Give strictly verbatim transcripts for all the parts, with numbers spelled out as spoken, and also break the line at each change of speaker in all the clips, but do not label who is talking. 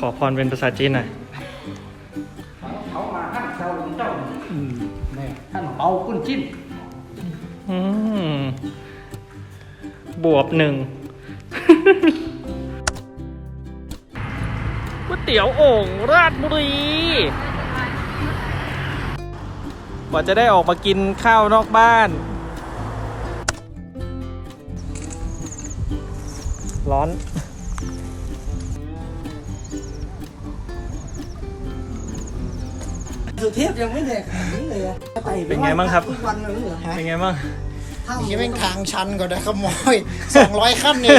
อพรเป็นภาษาจีนหน่อย
เขามาท่านเจ้าหลวงเจ้าอืมแม่ท่านเปากุ้นจิ้น
อืมบวบหนึ่ง ก๋วยเตี๋ยวโอ่งราชบุรีกว่าจะได้ออกมากินข้าวนอกบ้านร้อน
สุเทพยังไม่เหนื่อยขนาดนี้เลยอะ
เป็นไงบ้างครับ
ทุกวันเลยเหรอฮะ
เป็นไงบ้าง
นี่เป็นทางชันก็ได้ขโมยสองร้อยขั้นเอง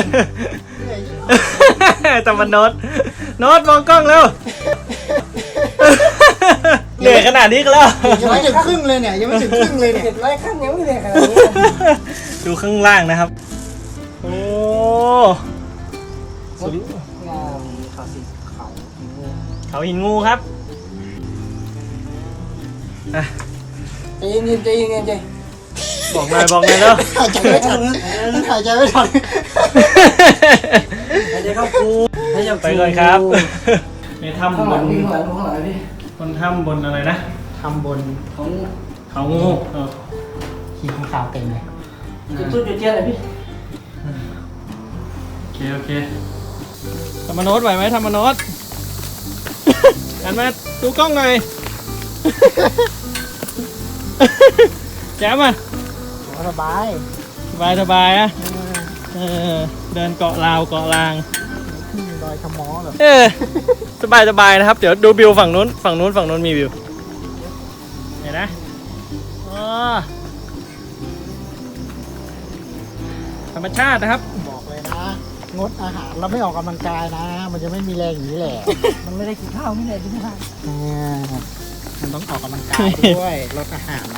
แต่มันโน้ตโน้ตมองกล้องแล้วเหนื่อยขนาดนี้ก็แล้ว
ยังไม่ถึงครึ่งเลยเนี่ยยังไม่ถึงครึ่งเลยเนี่ย
เจ็ดร้อยขั้นยังไม่เหนื่อยขนาดนี้
ดูข้างล่างนะครับโอ้สุด
งามเขาสิเขาหินงู
เขาหินงูครับอ่ะ
ใจเย็นใจเย็นใจ
บอกหน่อยบอกหน่อยแล้ว
หายใจไม่ทันหายใจไม่ทัน
ใจเข้าคู
ไปก่อนครับในถ้ำ
ข้าง
บ
หลัง
น
พี่ข้างหลังข้างหลังพี่
บนถ้ำบนอะไรนะ
ทำบน
ของ
เขางูเออ
ขี่ของขาวเต็มเลย
จุดจุดจุดเทียนเลยพี่
โอเคโอเคธรรมโนตไหวไหมธรรมโนตหันมาดูกล้องหน่อยแจ๋มอ่ะ
สบาย
สบายสบายอ่ะเออเดินเกาะราวเกาะราง
ขึ้นดอยขมอเหรอ
เออสบายสบายนะครับเดี๋ยวดูวิวฝั่งนู้นฝั่งนู้นฝั่งนู้นมีวิวเห็นนะอ๋อธรรมชาตินะครับ
บอกเลยนะงดอาหารเราไม่ออกกำลังกายนะ มันจะไม่มีแรงอย่างนี้แหละ
มันไม่ได้กินข้าวไม่ได้กินข้าว
มันต้องออกกำลังกายด้วยลดอาหารนะ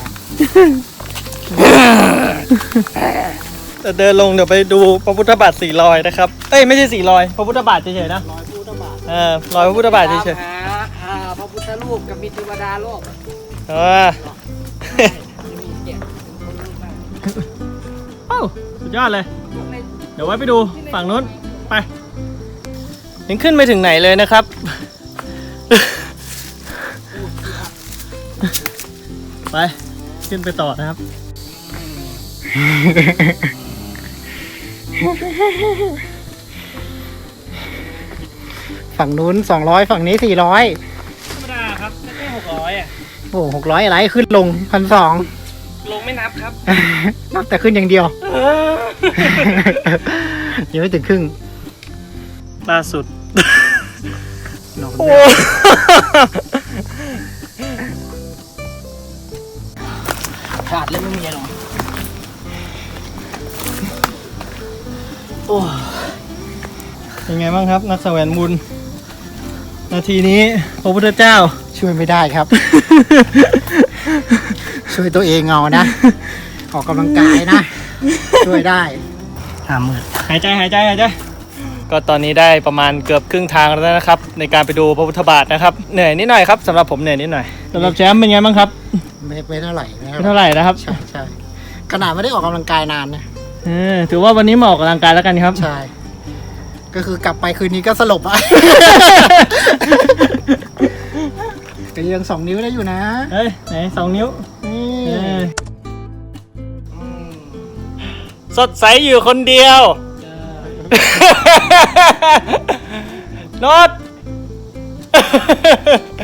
จะเดินลงเดี๋ยวไปดูพระพุทธบาทสี่รอยนะครับเอ้ยไม่ใช่สี่รอยพระพุทธบาทเฉยๆนะ
ร้อยพุทธบาท
เออรอยพระพุทธบาทเฉย
หาหาพระพุทธรูปกับมีเทวดาโลก
ๆเออ
มีแกะ
โอ้สุดยอดเลย เดี๋ยวไว้ไปดูฝั่งนู้นไปยังขึ้นไปถึงไหนเลยนะครับ ไปขึ้นไปต่อนะครับ
ฝั่งนู้นสองร้อยฝั่งนี้สี่ร้อย
ธรรมดาครับแค่หกร้อยอ่ะ
โอ้หกร้อยอะไรขึ้นลงพันสอง
ลงไม่นับครับ
นับแต่ขึ้นอย่างเดียว ยังไม่ถึงครึ่ง
ล่าสุด
นอน
โอ้
ขาดแล้วไม่มีหรอก
โอ้เป็นไงบ้างครับนักแสวงบุญนาทีนี้พระพุทธเจ้า
ช่วยไม่ได้ครับ ช่วยตัวเองเอานะ ออกกำลังกายนะ ช่วยได้ห้าหมื่น
หายใจหายใจหายใจก็ตอนนี้ได้ประมาณเกือบครึ่งทางแล้วนะครับ ในการไปดูพระพุทธบาทนะครับเหนื่อยนิดหน่อยครับสำหรับผมเหนื่อยนิดหน่อยสำหรับแชมป์เป็นไงบ้างครับ
ไม่ไม่เท่าไหร่ไม่
ไม่เท่าไหร่นะครับ
ใช่ใช่ขนาดไม่ได้ออกกำลังกายนานนะ
เออถือว่าวันนี้มาออกกำลังกายแล้วกันครับ
ใช่ก็คือกลับไปคืนนี้ก็สลบอ่ะ ก็ยังสองนิ้วได้อยู่นะ
เฮ้ยไหนสองนิ้ว
นี่
เออสดใสอยู่คนเดียวโนต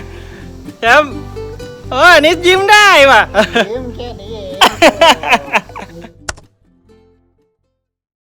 แชมป์เออนี่ยิ้มได้ว่ะ
ยิ้มแค่นี้เอง